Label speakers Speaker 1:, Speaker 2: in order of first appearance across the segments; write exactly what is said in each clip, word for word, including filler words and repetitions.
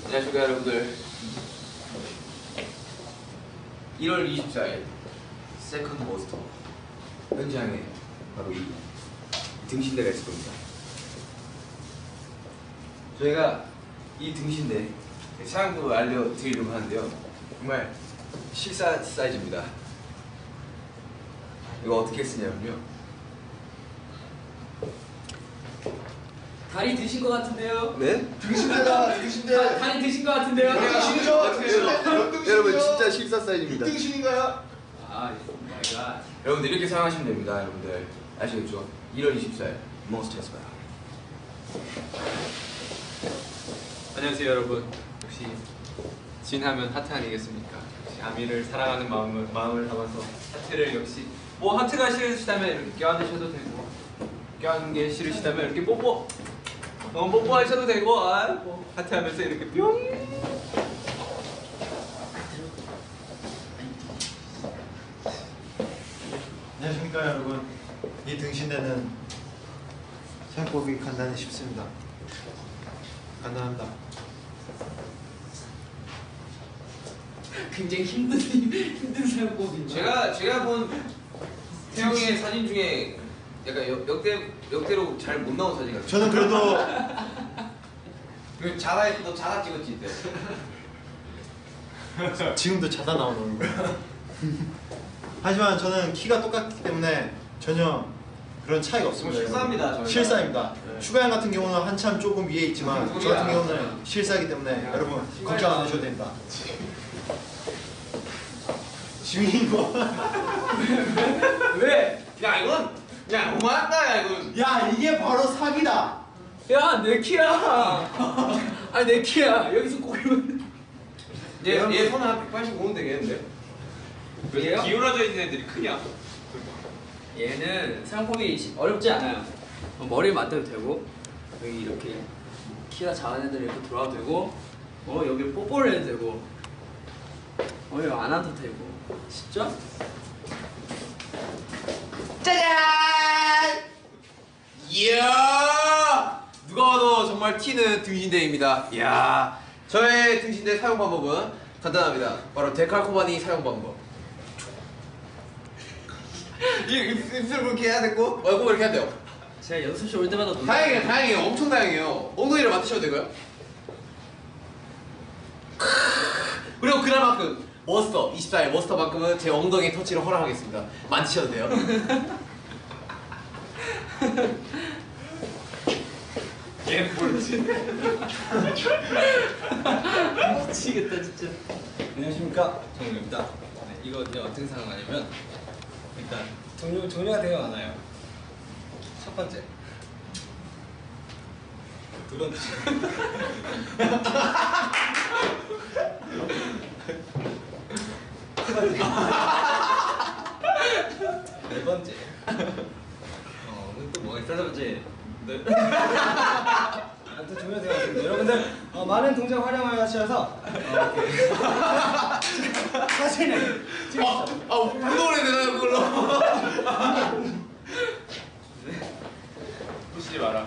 Speaker 1: 안녕하십니까 여러분들. 일월 이십사일 세컨드 모스터 현장에 바로 이 등신대가 있을 겁니다. 저희가 이 등신대 사용법을 알려드리려고 하는데요, 정말 실사 사이즈입니다. 이거 어떻게 쓰냐면요,
Speaker 2: 다리 드신 것 같은데요?
Speaker 1: 네?
Speaker 3: 등신대다, 등신대.
Speaker 2: 다, 다리 드신 것 같은데요?
Speaker 3: 등신이죠? 등신대.
Speaker 1: 여러분 진짜 실사 사이즈입니다.
Speaker 3: 등신인가요?
Speaker 2: 아, 마이 갓.
Speaker 1: 여러분들 이렇게 사용하시면 됩니다. 여러분들 아시겠죠? 일월 이십사일 몬스터에서 봐요.
Speaker 4: 안녕하세요 여러분. 역시 진하면 하트 아니겠습니까? 역시 아미를 사랑하는 마음을, 마음을 담아서 하트를, 역시 뭐 하트가 싫으시다면 이렇게 껴안으셔도 되고, 껴안는 게 싫으시다면 이렇게 뽀뽀 어, 뽀뽀하셔도 되고, 아, 뭐 하트 하면서 이렇게 뿅.
Speaker 3: 안녕하십니까 여러분. 이 등신대는 사용법이 간단히 쉽습니다. 간단합니다.
Speaker 2: 굉장히 힘든 힘든 사용법인데.
Speaker 1: 제가 제가 본 태영이의 사진 중에 약간 역, 역대 역대로 잘 못 나온 사진 같아요.
Speaker 3: 저는 그래도
Speaker 1: 그 자가 너 자가 찍었지 이때.
Speaker 3: 지금도 자다 나오는 거예요. 하지만 저는 키가 똑같기 때문에 전혀 그런 차이가 없습니다.
Speaker 1: 실사입니다, 저희가.
Speaker 3: 실사입니다.
Speaker 1: 네.
Speaker 3: 슈가양 같은 경우는 한참 조금 위에 있지만 저 같은 경우는 실사이기 때문에
Speaker 1: 야,
Speaker 3: 여러분
Speaker 1: 시간이
Speaker 3: 걱정 안
Speaker 1: 나-
Speaker 3: 하셔도 됩니다. 지민이 거.
Speaker 2: 왜?
Speaker 1: 야 이건 그냥 너무한다 야 이건.
Speaker 3: 야 이게 바로 사기다.
Speaker 2: 야, 내 키야. 아니 내 키야. 여기서 고기만.
Speaker 1: 얘얘 손은 한 백팔십오는 되겠는데?
Speaker 4: 왜
Speaker 2: 얘요?
Speaker 4: 기울어져 있는 애들이 크냐?
Speaker 2: 얘는 사용법이 어렵지 않아요. 어, 머리 맞대도 되고, 여기 이렇게 키가 작은 애들 이렇게 돌아도 되고, 어 여기 뽀뽀를 해도 되고, 어 여기 안 와도 되고. 쉽죠?
Speaker 1: 짜잔! 이야! 누가 봐도 정말 튀는 등신대입니다. 이야! 저의 등신대 사용 방법은 간단합니다. 바로 데칼코바니 사용 방법. 이 입술 그렇게 해야 되고, 얼굴 이렇게 해야 돼요.
Speaker 2: 제가 연습실 올 때마다 놀라요.
Speaker 1: 다행이에요, 다행이에요. 엄청 다행이에요. 엉덩이를 맡으셔도 되고요. 그리고 그날만큼 머스터 이십사일 머스터만큼은 제 엉덩이 터치를 허락하겠습니다. 만지셔도 돼요.
Speaker 4: 얘 모르지.
Speaker 2: 미치겠다 진짜.
Speaker 5: 안녕하십니까, 정우입니다. 네, 이거 이제 어떻게 사용하냐면 일단 종류, 종류가 되게 많아요. 첫 번째, 두 번째, 네 번째, 어, 또 뭐가 있어? 네 번째. 네. 아무튼 종류가 되게 많습니다. 여러분들 어, 많은 동작 활용하셔서 어, 이렇게 사진을
Speaker 1: 아, 아, 운동을 해야 되나요, 그걸로?
Speaker 4: 부시지 마라.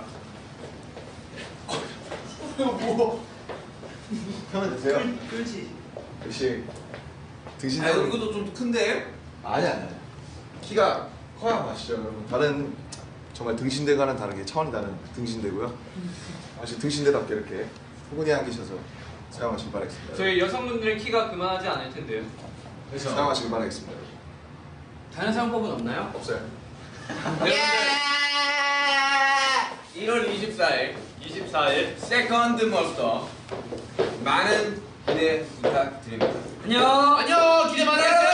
Speaker 3: 뭐? 하면 되세요.
Speaker 2: 그렇지.
Speaker 3: 역시 등신대.
Speaker 1: 아, 이것도 좀 큰데?
Speaker 3: 아니 아니. 키가 커야 맛이죠, 여러분. 다른 정말 등신대과는 다르게 차원이 다른 등신대고요. 아주 등신대답게 이렇게 포근히 안기셔서 사용하시길 바라겠습니다.
Speaker 4: 저희 여성분들은 키가 그만하지 않을 텐데요.
Speaker 3: 그래서 사용하시길 바라겠습니다. 여러분.
Speaker 2: 다른 사용법은 없나요?
Speaker 3: 없어요.
Speaker 1: 일월 이십사일
Speaker 4: 이십사일
Speaker 1: 세컨드 머스터 많은 기대 부탁드립니다.
Speaker 2: 안녕.
Speaker 1: 안녕, 기대 많이 하세요.